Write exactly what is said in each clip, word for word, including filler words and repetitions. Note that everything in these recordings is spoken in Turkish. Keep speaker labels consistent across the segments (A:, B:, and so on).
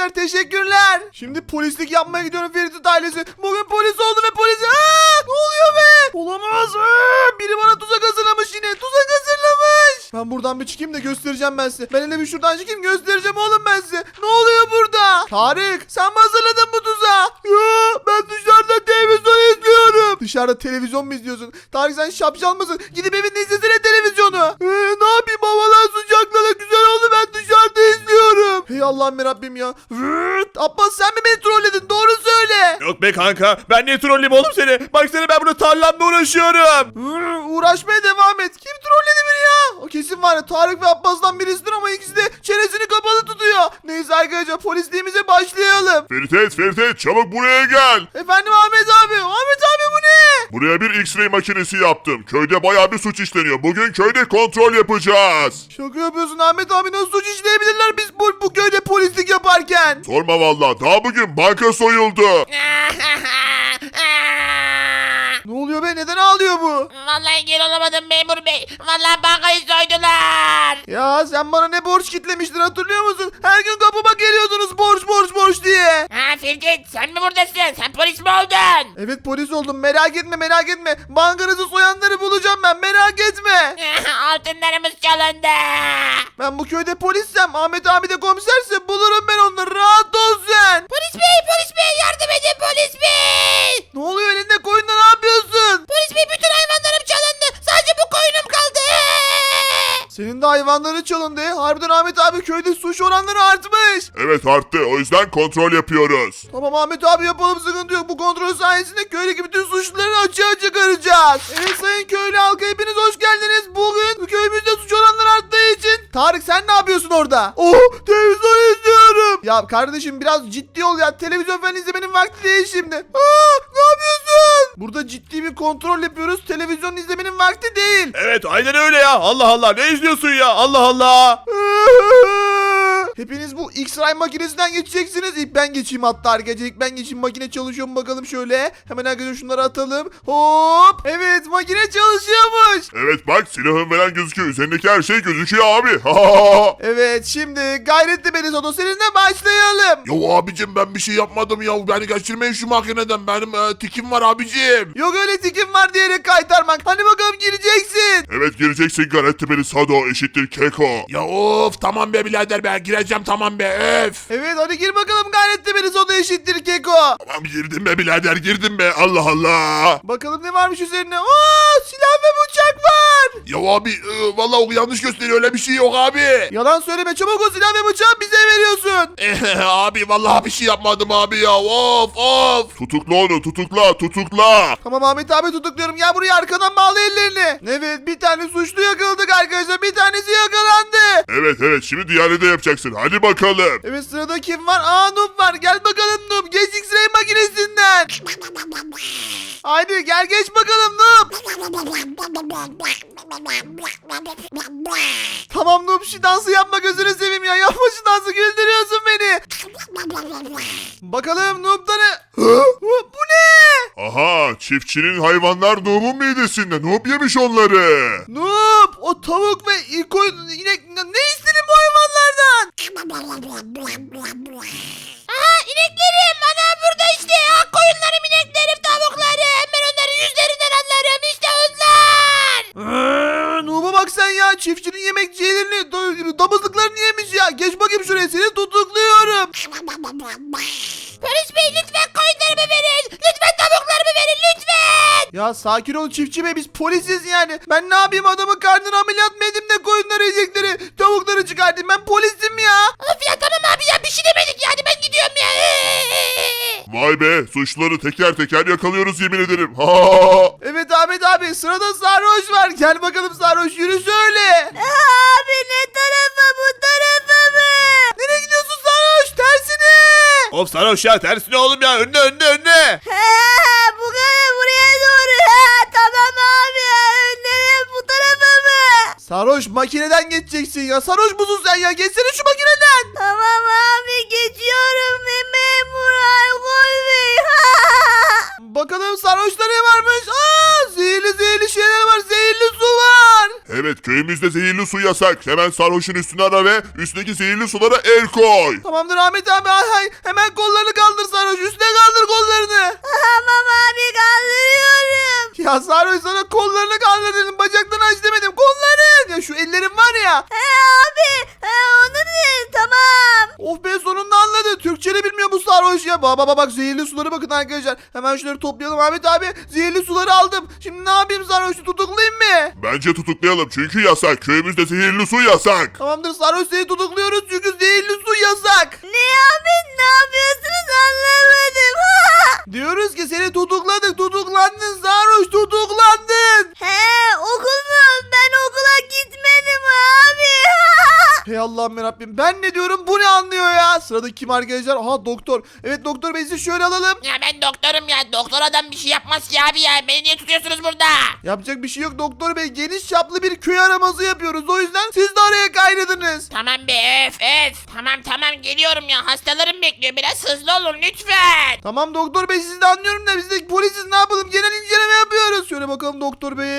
A: teşekkürler teşekkürler. Şimdi polislik yapmaya gidiyorum Ferit ailesi. Bugün polis oldum ve polis... Aa, ne oluyor be? Olamaz. Aa, biri bana tuzak hazırlamış yine. Tuzak hazırlamış. Ben buradan bir çıkayım da göstereceğim ben size. Ben hele bir şuradan çıkayım göstereceğim oğlum ben size. Ne oluyor burada? Tarık sen mi hazırladın bu tuzağı? Ya ben dışarıda televizyon izliyorum. Dışarıda televizyon mu izliyorsun? Tarık sen şapşal mısın? Gidip evinde izlesene televizyonu. Ee, ne yapayım havalar sıcaklara güzel oldu ben dışarıda izliyorum. Hey Allah'ım Rabbim ya. Vırt. Abbas sen mi beni trolledin? Doğru söyle.
B: Yok be kanka, ben niye trolleyim oğlum seni? Baksana ben burada tarlamda uğraşıyorum.
A: Vır, uğraşmaya devam et. Kim trolledi beni ya? O kesin var ya Tarık ve Abbas'tan birisidir ama ikisi de çenesini kapalı tutuyor. Neyse arkadaşlar polisliğimize başlayalım.
C: Ferit, Ferit çabuk buraya gel.
A: Efendim Ahmet abi. Ahmet abi bu ne?
C: Buraya bir X-ray makinesi yaptım. Köyde bayağı bir suç işleniyor. Bugün köyde kontrol yapacağız.
A: Şaka yapıyorsun Ahmet abi, nasıl suç işleyebilirler biz bu, bu köyde polislik yaparken?
C: Sorma valla. Daha bugün banka soyuldu.
A: Ne oluyor be, neden ağlıyor bu?
D: Vallahi geri olamadım memur bey. Vallahi bankayı soydular.
A: Ya sen bana ne borç kitlemiştin hatırlıyor musun? Her gün kapıma geliyordunuz borç borç borç diye.
D: Ha Firket sen mi buradasın? Sen polis mi oldun?
A: Evet polis oldum, merak etme merak etme. Bankanızı soyanları bulacağım ben, merak etme.
D: Altınlarımız çalındı.
A: Ben bu köyde polissem, Ahmet abi de komiserse bulurum ben onları, rahat ol sen.
D: Polis bey polis bey yardım edin polis bey.
A: Ne oluyor elinde koyunla, ne yapıyorsun?
D: Polis bey bütün hayvanlarım çalındı. Sadece bu koyunum kaldı.
A: Senin de hayvanları çalındı. Harbiden Ahmet abi köyde suç oranları artmış.
C: Evet arttı. O yüzden kontrol yapıyoruz.
A: Tamam Ahmet abi yapalım, sıkıntı yok. Bu kontrol sayesinde köydeki bütün suçluları açığa çıkaracağız. Evet sayın köylü halkı hepiniz hoş geldiniz. Bugün köyümüzde suç oranları arttığı için. Tarık sen ne yapıyorsun orada? Oh televizyon izliyorum. Ya kardeşim biraz ciddi ol ya. Televizyon falan izlemenin vakti değil şimdi. Aa, ne yapıyorsun? Burada ciddi bir kontrol yapıyoruz. Televizyon izlemenin vakti değil.
B: Evet aynen öyle ya. Allah Allah, ne izliyorsun ya? Allah Allah.
A: Hepiniz bu X-ray makinesinden geçeceksiniz. İlk ben geçeyim hatta arkadaşlar. İlk ben geçeyim. Makine çalışıyor mu bakalım şöyle. Hemen arkadaşlar şunları atalım. Hop. Evet makine çalışıyormuş.
C: Evet bak silahın falan gözüküyor. Üzerindeki her şey gözüküyor abi.
A: Evet şimdi Gayretli Belizodo seninle başlayalım.
C: Ya abicim ben bir şey yapmadım ya. Beni geçirmeyin şu makineden. Benim e, tikim var abicim.
A: Yok öyle tikim var diyerek kaytarmak. Hadi bakalım gireceksin.
C: Evet gireceksin Garetti beni Sado eşittir Keko.
E: Ya of tamam be birader be gireceğim tamam be öf.
A: Evet hadi gir bakalım Gayretli Belizodo eşittir Keko.
C: Tamam girdim be birader girdim be Allah Allah.
A: Bakalım ne varmış üzerine. Oo silah ve bıçak var.
C: Ya abi e, vallahi o yanlış gösteriyor öyle bir şey yok abi.
A: Yalan söyleme, çabuk o silah ve bıçağı bize veriyorsun.
C: Abi vallahi bir şey yapmadım abi ya of of. Tutukla onu tutukla tutukla.
A: Tamam Ahmet abi tutukluyorum. Gel buraya, arkadan bağla ellerini. Evet bir tane suçlu yakaladık arkadaşlar. Bir tanesi yakalandı.
C: Evet evet şimdi diğerini de yapacaksın hadi bakalım.
A: Evet sırada kim var? Aa Noob var. Gel bakalım Noob. Geç X-ray makinesinden. Haydi gel geç bakalım Noob. Tamam Noob şu dansı yapma, gözünü seveyim ya. Yapma şu dansı, güldürüyorsun beni. Bakalım Noob'da ne? Hı? Bu ne?
C: Aha çiftçinin hayvanlar Noob'un midesinde. Noob yemiş onları.
A: Noob o tavuk ve koyun inek ne istedin bu hayvanlardan?
D: Aha ineklerim ana burada işte. Ha, koyunlarım ineklerim tavuklarım. Ben onların yüzlerinden anlarım işte onlar.
A: Ee, Noob'a bak sen ya, çiftçinin yemekçilerini damızlıklarını yemiş ya. Geç bakayım şuraya, seni tutukluyorum.
D: Polis bey lütfen koyunlarımı verin. Lütfen tavuklarımı verin lütfen.
A: Ya sakin ol çiftçi bey, biz polisiz yani. Ben ne yapayım, adamın karnını ameliyat mı edeyim de koyunları yiyecekleri tavukları çıkartayım, ben polisim ya.
D: Of ya tamam abi ya bir şey demedik yani ben gidiyorum ya.
C: Vay be suçluları teker teker yakalıyoruz yemin ederim. Ha.
A: Evet Ahmet abi sırada sarhoş var. Gel bakalım sarhoş, yürü söyle.
D: Abi ne tarafa bu tarafa mı?
A: Nereye gidiyorsun sarhoş, tersine.
B: Of sarhoş ya, tersine oğlum ya, önüne önüne önüne.
D: Bu kadar buraya doğru. Ha, tamam abi önlere bu tarafa mı?
A: Sarhoş makineden geçeceksin ya. Sarhoş musun sen ya? Geçsene şu makineden.
D: Tamam abi geçiyorum memur alkol bey.
A: Bakalım sarhoşta ne varmış? Aa, zehirli zehirli şeyler var. Zehirli su var.
C: Evet Evet köyümüzde zehirli su yasak. Hemen sarhoşun üstüne ara ve üstündeki zehirli sulara el koy.
A: Tamamdır Ahmet abi. Hay hay. Hemen kollarını kaldır sarhoş. Üstüne kaldır kollarını.
D: Tamam abi kaldırıyorum.
A: Ya sarhoş sana kollarını kaldır dedim. Bacaklarını aç demedim. Kolların. Ya şu ellerim var ya.
D: He abi he, onu değil tamam.
A: Of be sonunda anladı. Türkçe'ni bilmiyor bu sarhoş ya. Baba baba bak zehirli suları bakın arkadaşlar. Hemen şunları toplayalım Ahmet abi. Zehirli suları aldım. Şimdi ne yapayım sarhoşu tutuklayayım mı?
C: Bence tutuklayalım çünkü yasak. Köyümüzde zehirli su yasak.
A: Tamamdır sarhoş seni tutukluyoruz çünkü zehirli su yasak.
D: Ne abi ne yapıyorsunuz anlamadım.
A: Diyoruz ki seni tutukladık tutuklandın sarhoş tutuklandın.
D: He okul mu? Ben okula gitmedim abi.
A: Hey Allah'ım yarabbim ben ne diyorum bu ne anlıyor ya. Sıradaki kim arkadaşlar? Aha doktor. Evet doktor bey sizi şöyle alalım.
F: Ya ben doktorum ya. Doktor adam bir şey yapmaz ki abi ya. Beni niye tutuyorsunuz burada?
A: Yapacak bir şey yok doktor bey. Geniş çaplı bir köy araması yapıyoruz. O yüzden siz de araya kaynadınız.
F: Tamam be öf öf. Tamam tamam geliyorum ya. Hastalarım bekliyor. Biraz hızlı olun lütfen.
A: Tamam doktor bey sizi de anlıyorum da biz de polisiz ne yapalım? Genel inceleme yapıyoruz. Şöyle bakalım doktor bey.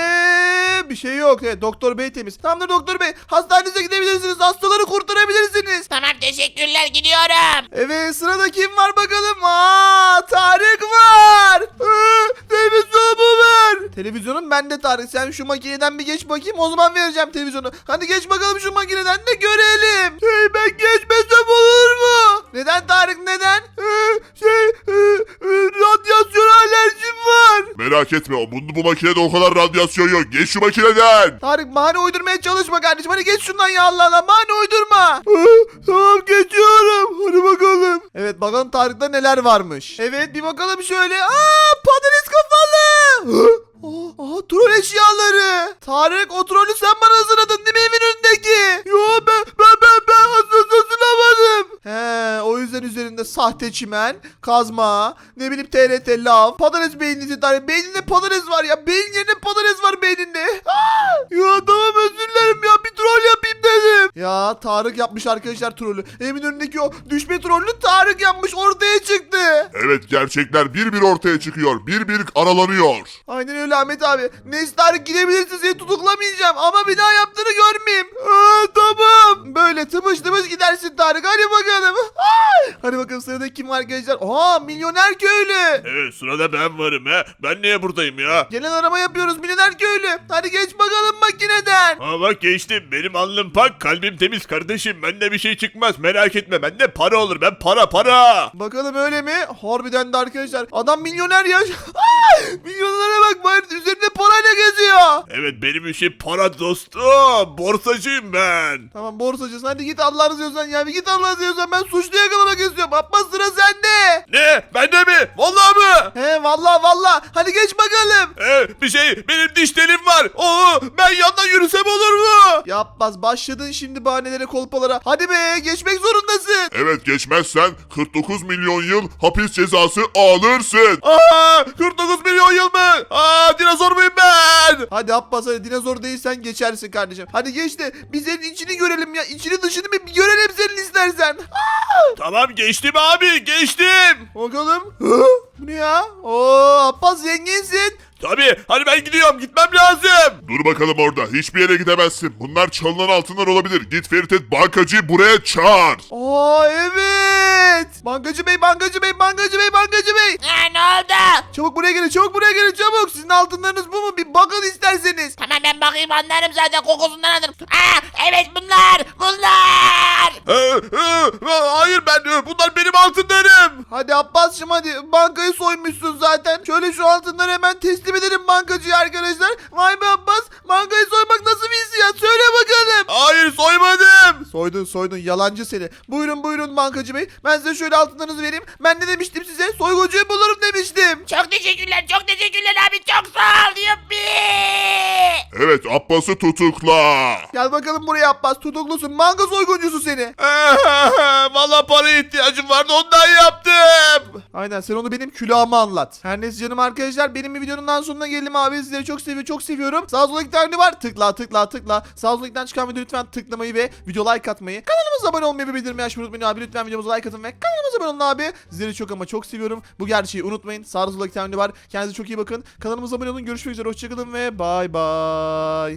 A: Bir şey yok. Evet doktor bey temiz. Tamamdır doktor bey. Hastanenize gidebilirsiniz. Hastaları kurtarabilirsiniz.
F: Tamam teşekkürler gidiyorum.
A: Evet sırada kim var bakalım? Aa Tarık var. Ee, televizyonumu ver. Televizyonum bende Tarık. Sen şu makineden bir geç bakayım. O zaman vereceğim televizyonu. Hadi geç bakalım şu makineden de görelim. Hey ben geçmesem olur mu? Neden Tarık neden? Ee, şey e, e, radyasyon alerjim var.
C: Merak etme o bu, bu makinede o kadar radyasyon yok. Geç şu makineden.
A: Tarık bahane uydurmaya çalışma kardeşim. Hadi geç şundan ya Allah Allah. Bahane uydurma. Ee, tamam geçiyorum. Hadi bakalım. Evet bakalım Tarık'ta neler varmış. Evet bir bakalım şöyle. Aa patates kafalı. Hı? Aa, aha troll eşyaları. Tarık o trolü sen bana hazırladın değil mi evin önündeki? Yo ben ben ben ben hazırlamadım. He o yüzden üzerinde sahte çimen, kazma, ne bileyim T R T lav, patates beyninizi Tarık. Beyninde patates var ya. Beyin yerine patates var beyninde. Aa, ya tamam özür dilerim ya bir troll yapayım dedim. Ya Tarık yapmış arkadaşlar trolü. Evimin önündeki o düşme trollünü Tarık yapmış ortaya çıktı.
C: Evet gerçekler bir bir ortaya çıkıyor. Bir bir aralanıyor.
A: Aynen öyle Ahmet abi. Neyse Tarık gidebilirsin seni tutuklamayacağım ama bir daha yaptığını görmeyeyim. Aa, tamam. Böyle tımış tımış gidersin Tarık hadi bakalım. Ay! Hadi bakalım sırada kim var arkadaşlar? Aa milyoner köylü.
B: Evet sırada ben varım he. Ben niye buradayım ya?
A: Genel arama yapıyoruz milyoner köylü. Hadi geç bakalım makineden.
B: Ha bak geçtim. Benim alnım pak, kalbim temiz kardeşim. Bende bir şey çıkmaz merak etme. Bende para olur. Ben para para.
A: Bakalım öyle mi? Harbiden de arkadaşlar. Adam milyoner ya. Ay! Milyonlara bak bari üzerinde parayla geziyor.
B: Evet benim işim para dostum. Borsacıyım ben.
A: Tamam borsacısın hadi git Allah'ını seviyorsan ya bir git Allah'ını seviyorsan ben suçlu yakalamak istiyorum. Abbas sıra sende.
B: Ne? Bende mi? Vallahi mı?
A: He valla valla hadi geç bakalım.
B: Ee, bir şey benim diş telim var. Oo, ben yandan yürüsem olur mu?
A: Ya Abbas başladın şimdi bahanelere kolpalara. Hadi be geçmek zorundasın.
C: Evet geçmezsen kırk dokuz milyon yıl hapis cezası alırsın.
B: Aa, kırk dokuz milyon yıl mı? Aa, dinozor muyum ben?
A: Hadi Abbas hadi dinozor değilsen geçersin kardeşim. Hadi geç de biz senin içini görelim ya. İçini dışını bir görelim senin istersen.
B: Tamam geçtim abi geçtim.
A: Bakalım. Hı? Bu ne ya? Oo Abbas zenginsin.
B: Tabii hadi ben gidiyorum gitmem lazım.
C: Dur bakalım orada. Hiçbir yere gidemezsin. Bunlar çalınan altınlar olabilir. Git Ferit bankacıyı buraya çağır.
A: Aa evet. Bankacı bey bankacı bey bankacı bey bankacı bey.
F: Ha ne oldu?
A: Çabuk buraya gelin çabuk buraya gelin çabuk. Sizin altınlarınız bu mu? Bir bakın isterseniz.
F: Tamam ben bakayım anlarım zaten kokusundan anlarım. Aa evet bunlar bunlar.
B: Ee, e, hayır ben e, bunlar benim altınlarım.
A: Hadi Abbas'cığım hadi. Bankayı soymuşsun zaten. Şöyle şu altınları hemen teslim edelim bankacıya arkadaşlar. Vay be Abbas. Bankayı soymak nasıl bir hissiyat? Söyle bakalım.
B: Hayır soymadım.
A: Soydun soydun yalancı seni. Buyurun buyurun bankacı bey. Ben size şöyle altınlarınızı vereyim. Ben ne demiştim size? Soyguncuyu bulurum demiştim.
F: Çok teşekkürler çok teşekkürler abi çok sağ ol yuppi.
C: Evet Abbas'ı tutukla.
A: Gel bakalım buraya Abbas. Tutuklusun. Banka soyguncusu seni.
B: Valla paraya ihtiyacım vardı ondan yaptım.
A: Aynen sen onu benim külahıma anlat. Her neyse canım arkadaşlar benim bir videonun daha sonuna geldim abi. Sizleri çok seviyorum çok seviyorum. Sağ sola iki tane var. Tıkla tıkla tıkla. Sağ sola ikiden çıkan video lütfen tıklamayı ve video like atmayı. Kanalımıza abone olmayı ve bildirimi açmayı unutmayın abi. Lütfen videomuza like atın ve kanalımıza abone olun abi. Sizleri çok ama çok seviyorum. Bu gerçeği unutmayın. Sağ sola iki tane var. Kendinize çok iyi bakın. Kanalımıza abone olun. Görüşmek üzere. Hoşçakalın ve bay bay.